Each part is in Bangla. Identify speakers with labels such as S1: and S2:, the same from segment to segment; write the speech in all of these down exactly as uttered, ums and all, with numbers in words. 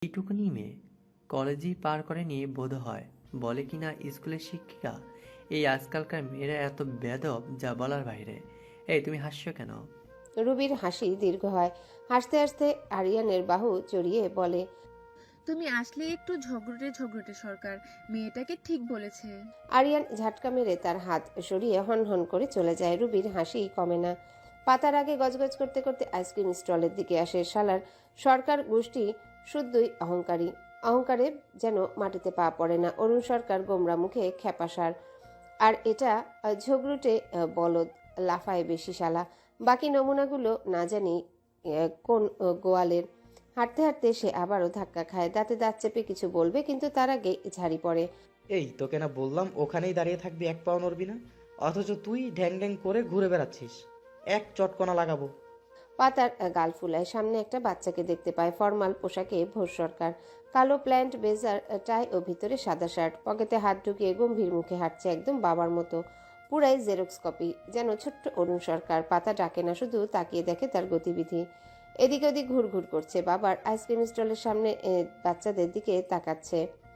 S1: এইটুকুনি মেয়ে কলেজই পার করেনি বোধ হয়, বলে কিনা স্কুলের শিক্ষিকা। এই আজকালকার মেয়েরা এত বেদব যা বলার বাইরে। এই তুমি হাসছো কেন?
S2: রুবির হাসি দীর্ঘ হয়। হাসতে হাসতে আরিয়ানের বাহু জড়িয়ে বলে,
S3: তুমি আসলে একটু ঝগড়টে ঝগড়টে সরকার, মেয়েটাকে ঠিক বলেছে।
S2: আরিয়ান ঝাটকা মেরে তার হাত সরিয়ে হন হন করে চলে যায়। রুবির হাসি কমে না। পাতার আগে গজগজ করতে করতে আইসক্রিম স্টলের দিকে আসে। শালার সরকার গোষ্ঠী শুদ্ধই অহংকারী। অহংকারে যেন মাটিতে পা পড়ে না। অরুণ সরকার গোমরা মুখে খেপাসার, আর এটা আহ, ঝগড়ুটে আহ, বলদ, লাফায় বেশি শালা। বাকি নমুনাগুলো না জানি আহ, কোন আহ, গোয়ালের। হাঁটতে হাঁটতে সে আবারও ধাক্কা খায়। দাঁতে দাঁত চেপে কিছু বলবে, কিন্তু তার আগে ঝাড়ি পড়ে।
S4: এই তোকে না বললাম ওখানেই দাঁড়িয়ে থাকবি, এক পাও নড়বি না, অথচ তুই ঢ্যাং ঢ্যাং করে ঘুরে বেড়াচ্ছিস। এক চটকনা লাগাবো।
S2: পাতার গাল ফুলায়। সামনে একটা বাচ্চাকে দেখতে পায়। ফর্মাল পোশাকে ভোর সরকার, কালো প্ল্যান্ট, ব্লেজার, টাই ও ভিতরে সাদা শার্ট। পকেটে হাত ঢুকিয়ে গম্ভীর মুখে হাঁটছে, একদম বাবার মতো। পুরাই জেরক্স কপি, যেন ছোট্ট অরুণ সরকার। পাতা ডাকে না, শুধু তাকিয়ে দেখে তার গতিবিধি। এদিক ওদিক ঘুর ঘুর করছে। বাবার আইসক্রিম স্টলের সামনে এ, বাচ্চাদের দিকে তাকাচ্ছে।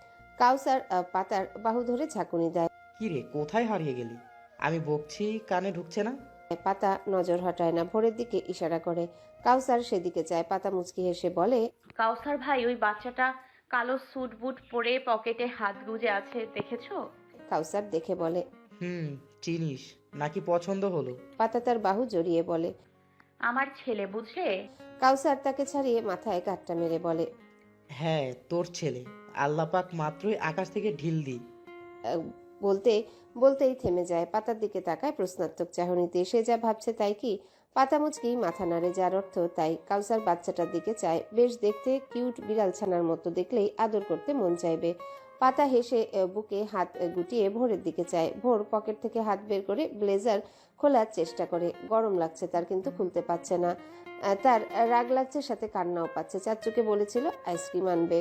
S2: কাউসার আহ, পাতার বাহু ধরে ঝাঁকুনি দেয়।
S4: কি রে, কোথায় হারিয়ে গেলি? আমি বকছি, কানে ঢুকছে না?
S2: পাতা নজর হটায় না, ভোরের দিকে ইশারা করে। কাউসার সেদিকে যায়। পাতা মুচকি হেসে বলে,
S5: কাউসার ভাই, ওই বাচ্চাটা কালো স্যুট বুট পরে পকেটে হাত গুজে আছে, দেখেছো?
S2: কাউসার দেখে বলে,
S4: হুম, চিনিস নাকি পছন্দ হলো?
S2: পাতা তার বাহু জড়িয়ে বলে।
S5: আমার ছেলে, বুঝলে?
S2: কাউসার তাকে ছাড়িয়ে মাথায় গাঁটটা মেরে বলে,
S4: হ্যাঁ, তোর ছেলে। আল্লাপাক মাত্রই আকাশ থেকে ঢিল দি।
S2: আহ, বলতে বলতেই থেমে যায়। পাতার দিকে তাকায় প্রশ্নার্থক চাহনিতে। সে যা ভাবছে তাই কি? পাতা মুচকি মাথা নাড়ে, যার অর্থ তাই। কাউসার বাচ্চাটার দিকে চায়। বেশ দেখতে, কিউট বিড়াল ছানার মতো। দেখলেই আদর করতে মন চাইবে। পাতা হেসে আহ, বুকে হাত আহ, গুটিয়ে ভোরের দিকে চায়। ভোর পকেট থেকে হাত বের করে ব্লেজার খোলার চেষ্টা করে। গরম লাগছে তার, কিন্তু খুলতে পারছে না। আহ, তার রাগ লাগছে, সাথে কান্নাও পাচ্ছে। চাচ্চুকে বলেছিল আইসক্রিম আনবে,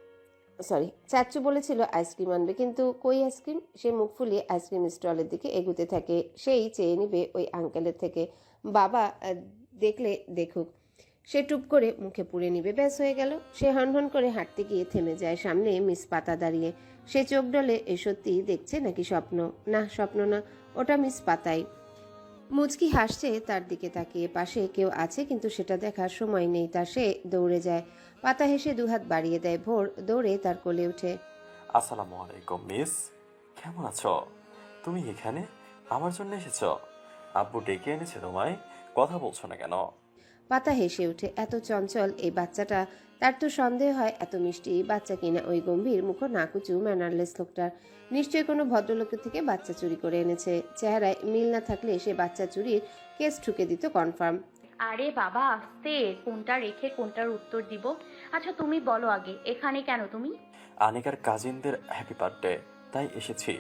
S2: সরি চাচ্চু বলেছিল আইসক্রিম আনবে, কিন্তু কই আইসক্রিম? সে মুখ ফুলিয়ে আইসক্রিম স্টলের দিকে এগুতে থাকে। সেই চেয়ে নিবে ওই আঙ্কেলের থেকে। বাবা আহ, দেখলে দেখুক, সে টুপ করে মুখে পুড়ে নিবে, ব্যাস হয়ে গেল। সে হনহন করে হাঁটতে গিয়ে থেমে যায়। সামনে মিস পাতা দাঁড়িয়ে। সে চোখ ডলে, এ সত্যি দেখছে নাকি স্বপ্ন? না, স্বপ্ন না, ওটা মিস পাতাই। মুচকি হাসছে তার দিকে তাকিয়ে। পাশে কেউ আছে, কিন্তু সেটা দেখার সময় নেই তার। সে দৌড়ে যায়। পাতা হেসে দুহাত বাড়িয়ে দেয়। ভোর দৌড়ে তার কোলে ওঠে।
S6: আসসালামু আলাইকুম মিস, কেমন আছো? তুমি এখানে আমার জন্য এসেছো? আব্বু ডেকে এনেছে তোমায়, কথা বলছো না কেন?
S2: পাতা হেসে ওঠে। এত চঞ্চল এই বাচ্চাটা। তার তো সন্দেহ হয় এত মিষ্টি বাচ্চা কিনা ওই গম্ভীর মুখ নাকুচু ম্যানারলেস লোকটার। নিশ্চয়ই কোনো ভদ্রলোকের থেকে বাচ্চা চুরি করে এনেছে। চেহারায় মিল না থাকলে সে বাচ্চা চুরির কেস ঠুকে দিত কনফার্ম।
S5: আরে বাবা, আস্তে, কোনটা রেখে কোনটার উত্তর দিব। আচ্ছা তুমি বলো আগে, এখানে কেন তুমি?
S6: আনিকার কাজিনদের হ্যাপি বার্থডে, তাই এসেছি।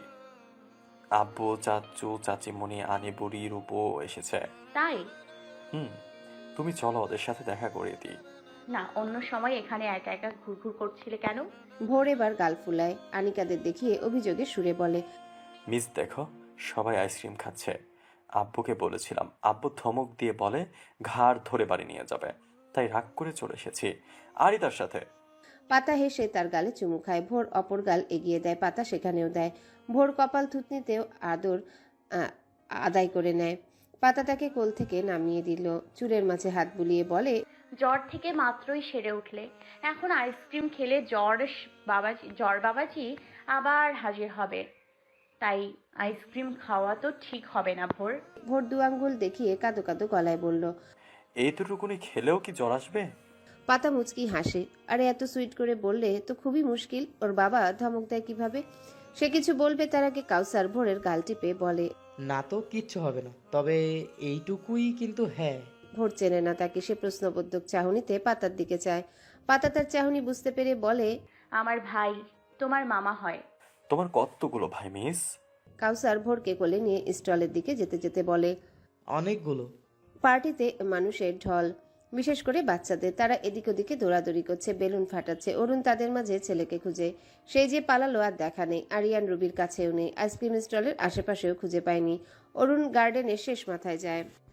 S6: আব্বু, চাচু, চাচিমণি, আনি বুড়ি, রূপো এসেছে।
S5: তাই?
S6: হুম, তুমি চলো ওদের সাথে দেখা করিয়ে দিই।
S5: না, অন্য সময় এখানে একা একা ঘুরঘুর করছিলে কেন?
S2: ভোর এবার গাল ফুলায়। আনিকাদের দেখিয়ে অভিযোগে সুরে বলে,
S6: মিস দেখো, সবাই আইসক্রিম খাচ্ছে। আব্বুকে বলেছিলাম, আব্বু ধমক দিয়ে বলে ঘাড় ধরে বাড়ি নিয়ে যাবে, তাই রাগ করে চলে এসেছি। আরই তার সাথে।
S2: পাতা হেসে তার গালে চুমু খায়। ভোর অপর গাল এগিয়ে দেয়। পাতা সেখানেও দেয়। ভোর কপাল থুতনিতেও আদর আহ, আদায় করে নেয়। পাতাটাকে কোল থেকে নামিয়ে দিল। চুলের মাঝে হাত বুলিয়ে বলে,
S5: জ্বর থেকে মাত্রই সেরে উঠলে, এখন আইসক্রিম খেলে জ্বর বাবাজি জ্বর বাবাজি আবার হাজির হবে। তাই আইসক্রিম খাওয়া তো ঠিক হবে না ভোর।
S2: ভোর দু আঙ্গুল দেখিয়ে কাদো কাদো গলায় বলল।
S6: এইটুকুনি খেলেও কি জ্বর আসবে?
S2: পাতা মুচকি হাসে। আরে এত সুইট করে বললে তো খুবই মুশকিল। ওর বাবা ধমক দেয় কিভাবে? সে কিছু বলবে তার আগে কাউসার ভোরের গাল টিপে বলে,
S4: না তো কিচ্ছু হবে না, তবে এইটুকুই কিন্তু। হ্যাঁ।
S2: ভোর চেনে না তাকে। সে প্রশ্নবোধক চাহনিতে পাতার দিকে চায়। পাতা তার চাহনি বুঝতে পেরে বলে,
S5: আমার ভাই তোমার মামা হয়।
S6: তোমার কতগুলো ভাই মিস?
S2: কাউসার ভোরকে কোলে নিয়ে স্টলের দিকে যেতে যেতে বলে,
S4: অনেকগুলো।
S2: পার্টিতে মানুষের ঢল, বিশেষ করে বাচ্চাদের। তারা এদিক ওদিকে দৌড়াদৌড়ি করছে, বেলুন ফাটাচ্ছে। অরুণ তাদের মাঝে ছেলেকে খুঁজে। সেই যে পালালো আর দেখা নেই। আরিয়ান রুবির কাছেও নেই। আইসক্রিম স্টলের আশেপাশেও খুঁজে পায়নি। অরুণ গার্ডেনের শেষ মাথায় যায়।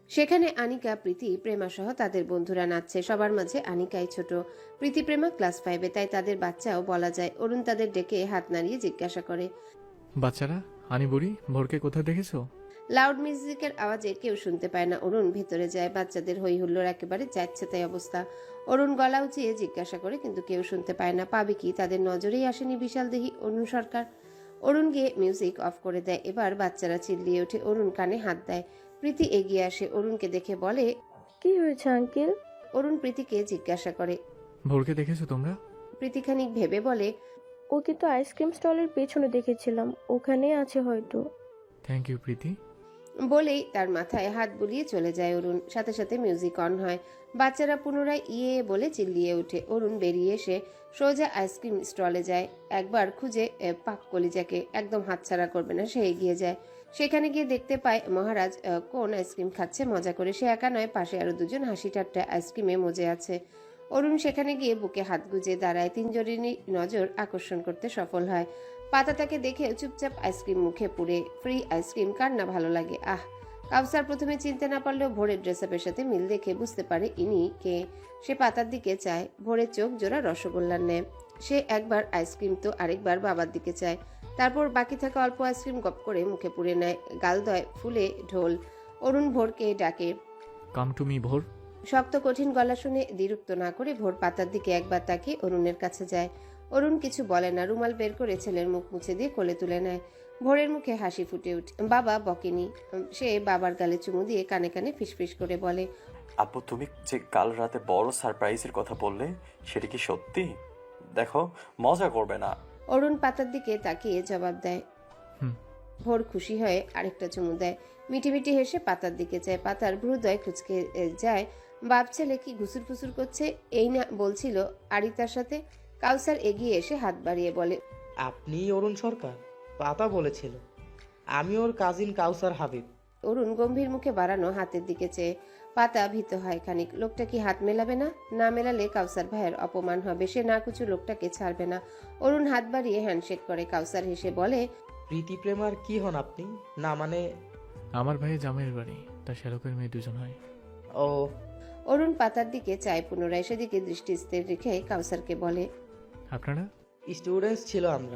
S2: সেখানে আনিকা, প্রীতি, প্রেমা সহ তাদের বন্ধুরা নাচছে। সবার মাঝে আনিকাই ছোট, প্রীতি প্রেমা ক্লাস ফাইভে, তাই তাদের বাচ্চাও বলা যায়। অরুণ তাদের ডেকে হাত নাড়িয়ে জিজ্ঞাসা করে,
S7: বাচ্চারা, আনি বুড়ি ভোরকে কোথায় দেখেছো?
S2: লাউড মিউজিকের আওয়াজে কেউ শুনতে পায় না। অরুণ ভেতরে যায়। বাচ্চাদের হই হুল্লোড় একেবারে যাচ্ছে তাই অবস্থা। অরুণ গলা উঁচিয়ে জিজ্ঞাসা করে, কিন্তু কেউ শুনতে পায় না। পাবে কি? তাদের নজরেই আসেনি বিশাল দেহি অরুণ সরকার। অরুণ গিয়ে মিউজিক অফ করে দেয়। এবার বাচ্চারা চিল্লিয়ে ওঠে। অরুণ কানে হাত দেয়। প্রীতি এগিয়ে আসে, অরুণকে দেখে বলে,
S8: কি হয়েছে আঙ্কেল?
S2: অরুণ প্রীতিকে জিজ্ঞাসা করে।
S7: ভোরকে দেখেছো তোমরা?
S2: প্রীতি খানিক ভেবে বলে,
S8: ওকে তো আইসক্রিম স্টলের পেছনে দেখেছিলাম, ওখানেই আছে হয়তো।
S7: Thank you Preeti.
S2: বলেই তার মাথায় হাত বুলিয়ে চলে যায় অরুণ। সাথে সাথে মিউজিক অন হয়। বাচ্চারা পুনরায় ইয়ে বলে চিল্লিয়ে ওঠে। অরুণ বেরিয়ে এসে সোজা আইসক্রিম স্টলে যায়। একবার খুঁজে এ, পাক কলিজাকে একদম হাতছাড়া করবে না, সে এগিয়ে যায়। সেখানে গিয়ে দেখতে পায় মহারাজ আহ, কোন আইসক্রিম খাচ্ছে মজা করে। সে একা নয়, পাশে আরো দুজন হাসি ঠাট্টা আইসক্রিমে মজে আছে। অরুণ সেখানে গিয়ে বুকে হাত গুজে দাঁড়ায়। তিনজনেরই নজর আকর্ষণ করতে সফল হয়। পাতা তাকে দেখে চুপচাপ আইসক্রিম মুখে পুরে। ফ্রি আইসক্রিম কার না ভালো লাগে। আহ কাউসার প্রথমে চিনতে না পারলেও ভোরের ড্রেসআপের সাথে মিল দেখে বুঝতে পারে ইনি কে। সে পাতার দিকে চায়। ভোরের চোখ জোড়া রসগোল্লার ন্যায়। সে একবার আইসক্রিম তো আরেকবার বাবার দিকে চায়। তারপর বাকি থাকা অল্প আইসক্রিম গপ করে মুখে পুরে নেয়। গালদয় ফুলে ঢোল। অরুণ ভোরকে ডাকে।
S7: কাম টু মি ভোর।
S2: শক্ত কঠিন গলা শুনে দ্বিরুক্ত না করে ভোর পাতার দিকে একবার তাকিয়ে অরুণের কাছে যায়। অরুণ কিছু বলে না। রুমাল বের করে ছেলের মুখ মুছে দিয়ে কোলে তুলে নেয়। ভোরের মুখে হাসি ফুটে উঠে। বাবা বকেনি। সে বাবার গালে চুমু দিয়ে কানে কানে ফিসফিস করে বলে,
S6: আব্বু তুমি যে কাল রাতে বড় সারপ্রাইজের কথা বললে সেটা কি সত্যি? দেখো, মজা করবে না।
S2: অরুণ পাতার দিকে তাকিয়ে জবাব দেয়।
S7: হুম।
S2: ভোর খুশি হয়ে আরেকটা চুমু দেয়। মিটি মিটি হেসে পাতার দিকে যায়। পাতার ভ্রুদয় কুচকে এ, যায়। বাপ ছেলে কি ঘুসুর ফুসুর করছে এই না বলছিল আরিতার সাথে। কাউসার এগিয়ে এসে হাত বাড়িয়ে বলে,
S4: আপনি অরুণ সরকার? পাতা বলেছিল। আমি ওর কাজিন কাউসার হাবিব।
S2: অরুণ গম্ভীর মুখে বাড়ানো হাতের দিকে চেয়ে। পাতা ভীত হয় খানিক। লোকটা কি হাত মেলাবে না? না মেলালে কাউসার ভাইয়ের অপমান হবে। সে না কিছু লোকটাকে ছাড়বে না। অরুণ হাত বাড়িয়ে হ্যান্ডশেক করে। কাউসার হেসে বলে,
S4: প্রীতি প্রেমার কি হন আপনি? না মানে
S7: আমার ভাইয়ের জামাইয়ের বাড়ি, তার শ্যালকের মেয়ে দুজন হয়।
S4: ও।
S2: অরুণ পাতার দিকে চায় পুনরায়। সেদিকে দৃষ্টি স্থির রেখে কাউসারকে বলে,
S7: আপনারা?
S4: স্টুডেন্টস ছিল আমরা।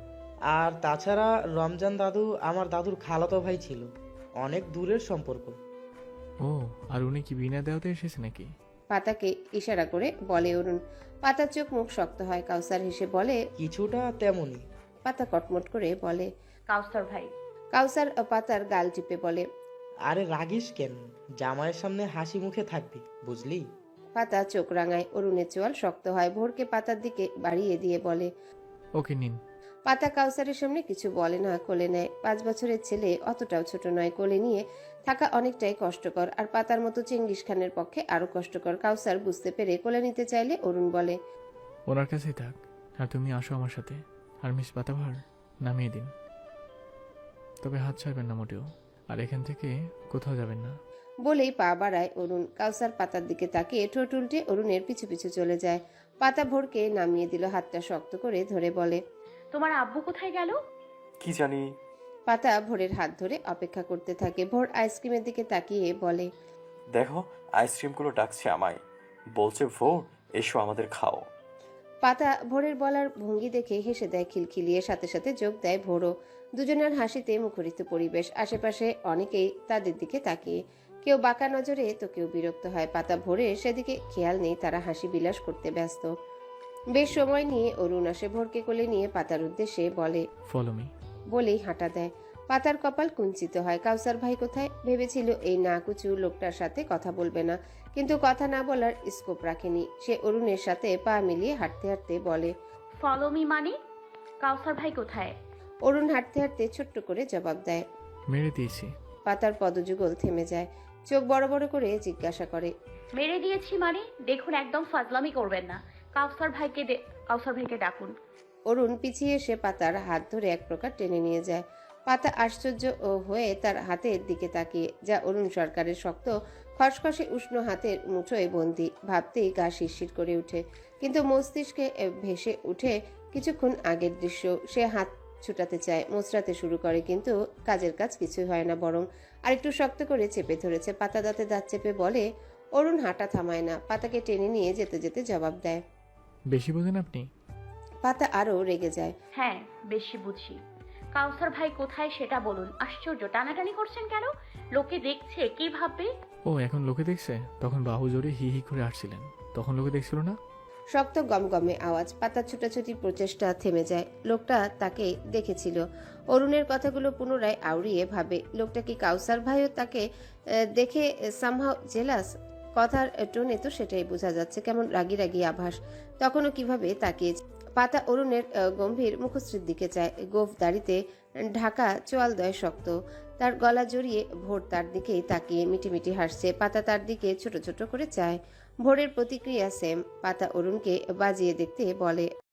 S4: আর তাছাড়া রমজান দাদু আমার দাদুর খালাতো ভাই ছিল। অনেক দূরের সম্পর্ক।
S7: ও, আর উনি কি বিনা দেওয়াতে এসেছে নাকি?
S2: পাতাকে ইশারা করে বলে অরুণ। পাতার চোখ মুখ শক্ত হয়। কাউসার হেসে বলে,
S4: কিছুটা তেমনই।
S2: পাতা কটমট করে বলে,
S5: কাউসার ভাই।
S2: কাউসার পাতার গাল টিপে বলে,
S4: আরে রাগিস কেন? জামাইয়ের সামনে হাসি মুখে থাকবি, বুঝলি?
S2: পাতা চোখ রাঙায়। অরুণের চোয়াল শক্ত হয়। ভোরকে পাতার দিকে বাড়িয়ে দিয়ে বলে,
S7: ওকে নিন।
S2: পাতা কাউসারের সামনে কিছু বলে না, কোলে নেয়। পাঁচ বছরের ছেলে অতটাও ছোট নয়। কোলে নিয়ে থাকা অনেকটাই কষ্টকর। আর পাতার মতো চেঙ্গিস খানের পক্ষে আরো কষ্টকর। কাউসার বুঝতে পেরে কোলে নিতে চাইলে অরুণ বলে,
S7: ওনার কাছেই থাক, আর তুমি আসো আমার সাথে। আর মিস পাতাভার নামিয়ে দিন, তবে হাত ছাড়বেন না মোটেও। আর এখান থেকে কোথাও যাবেন না।
S2: বলেই পা বাড়ায় অরুণ। কাউসার পাতার দিকে তাকিয়ে ঠোঁট উল্টে অরুণের পিছু পিছু চলে যায়। পাতা ভোরকে নামিয়ে দিল। হাতটা শক্ত করে ধরে বলে,
S5: তোমার আব্বু কোথায় গেল?
S6: কি জানি।
S2: পাতা ভোরের হাত ধরে অপেক্ষা করতে থাকে। ভোর আইসক্রিমের দিকে তাকিয়ে বলে,
S6: দেখো, আইসক্রিমগুলো ডাকছে আমায়, বলছে ভোর এসো আমাদের খাও।
S2: পাতা ভোরের বলার ভঙ্গি দেখে হেসে দেয় খিলখিলিয়ে। সাথে সাথে যোগ দেয় ভোরও। দুজনের হাসিতে মুখরিত পরিবেশ। আশেপাশে অনেকেই তাদের দিকে তাকিয়ে, কেউ বাঁকা নজরে তো কেউ বিরক্ত হয়। পাতা ভোরে সেদিকে খেয়াল নেই, তারা হাসি বিলাস করতে ব্যস্ত। বেশ সময় নিয়ে অরুণ আসে। ভোরকে কোলে নিয়ে পাতার উদ্দেশ্যে বলে,
S7: ফলো মি।
S2: বলেই হাঁটা দেয়। পাতার কপাল কুঞ্চিত হয়। কাউসার ভাই কোথায়? ভেবেছিল এই নাকুচু লোকটার সাথে কথা বলবে না, কিন্তু কথা না বলার স্কোপ রাখেনি। সে অরুণের সাথে পা মিলিয়ে হাঁটতে হাঁটতে বলে,
S5: ফলো মি মানে? কাউসার ভাই কোথায়?
S2: অরুণ হাঁটতে হাঁটতে ছোট্ট করে জবাব দেয়।
S7: মেরে দিয়েছি।
S2: পাতার পদযুগল থেমে যায়। চোখ বড় বড় করে জিজ্ঞাসা করে,
S5: মেরে দিয়েছি মানে? দেখুন, একদম ফাজলামি করবেন না। কাউসার ভাইকে দে- কাউসার ভাইকে ডাকুন।
S2: অরুণ পিছিয়ে এসে পাতার হাত ধরে এক প্রকার টেনে নিয়ে যায়। পাতা আশ্চর্য ও হয়ে তার হাতের দিকে তাকিয়ে, যা অরুণ সরকারের শক্ত খসখসে উষ্ণ হাতের মুঠোয় বন্দি। ভাবতেই গা শিরশির করে উঠে, কিন্তু মস্তিষ্কে ভেসে উঠে কিছুক্ষণ আগের দৃশ্য। সে হাত ছুটাতে চায়, মোচড়াতে শুরু করে, কিন্তু কাজের কাজ কিছুই হয় না, বরং আরেকটু শক্ত করে চেপে ধরেছে। পাতা দাঁতে দাঁত চেপে বলে। অরুণ হাঁটা থামায় না, পাতাকে টেনে নিয়ে যেতে যেতে জবাব দেয়।
S7: বেশি বোঝেন আপনি।
S2: পাতা আরও রেগে যায়।
S5: হ্যাঁ, বেশি বুঝি। কাউসার ভাই কোথায় সেটা বলুন। আশ্চর্য, টানাটানি করছেন কেন? লোকে দেখছে, কি ভাববে?
S7: ও এখন লোকে দেখছে? তখন বাহু জোরে হি হি করে আসছিলেন, তখন লোকে দেখছিল না?
S2: শক্ত গমগমে আওয়াজ, পাতার ছুটাছুটি প্রচেষ্টা থেমে যায়। লোকটা তাকে দেখেছিল। অরুণের কথাগুলো পুনরায় আউড়িয়ে ভাবে, লোকটা কি কাউসার ভাইও তাকে আহ, দেখে সামহাও জেলাস? কথার টোনে তো সেটাই বোঝা যাচ্ছে, কেমন রাগি রাগি আভাস। তখনও কিভাবে তাকিয়েছে। পাতা অরুণের আহ, গম্ভীর মুখশ্রীর দিকে চায়। গোফ দাড়িতে ঢাকা চোয়ালদয় শক্ত, তার গলা জড়িয়ে ভোর তার দিকেই তাকিয়ে মিটিমিটি হাসছে। পাতা তার দিকে ছোট ছোট করে চায়। ভোরের প্রতিক্রিয়া সেম। পাতা অরুণকে বাজিয়ে দেখতে বলে,